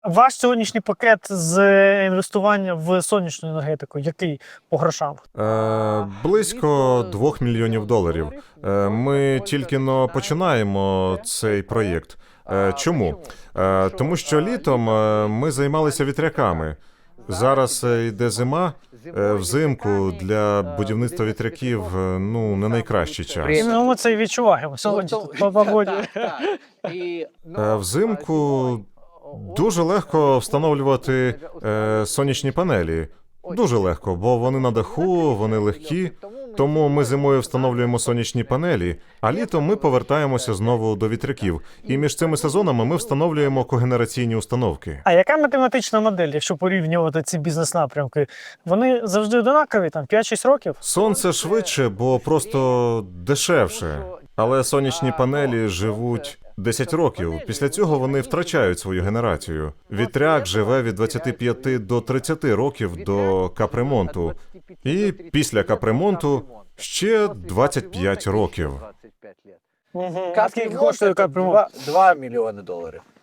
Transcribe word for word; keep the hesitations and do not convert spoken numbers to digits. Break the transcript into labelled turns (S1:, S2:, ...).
S1: Ваш сьогоднішній пакет з інвестування в сонячну енергетику, який по грошам?
S2: Е, близько двох мільйонів доларів. Е, ми тільки но починаємо цей проєкт. Е, чому? Е, тому що літом е, ми займалися вітряками. Зараз е, йде зима. Е, взимку для будівництва вітряків е, ну не найкращий час.
S1: І ми це і відчуваємо сьогодні тут по погоді.
S2: Е, взимку дуже легко встановлювати е, сонячні панелі. Дуже легко, бо вони на даху, вони легкі. Тому ми зимою встановлюємо сонячні панелі, а літом ми повертаємося знову до вітряків. І між цими сезонами ми встановлюємо когенераційні установки.
S1: А яка математична модель, якщо порівнювати ці бізнес-напрямки? Вони завжди однакові, там п'ять-шість років?
S2: Сонце швидше, бо просто дешевше. Але сонячні панелі живуть десять років. Після цього вони втрачають свою генерацію. Вітряк живе від двадцяти п'яти до тридцяти років до капремонту. І після капремонту ще двадцять п'ять років.
S1: Угу. А скільки коштує капремонт?
S3: два мільйони доларів.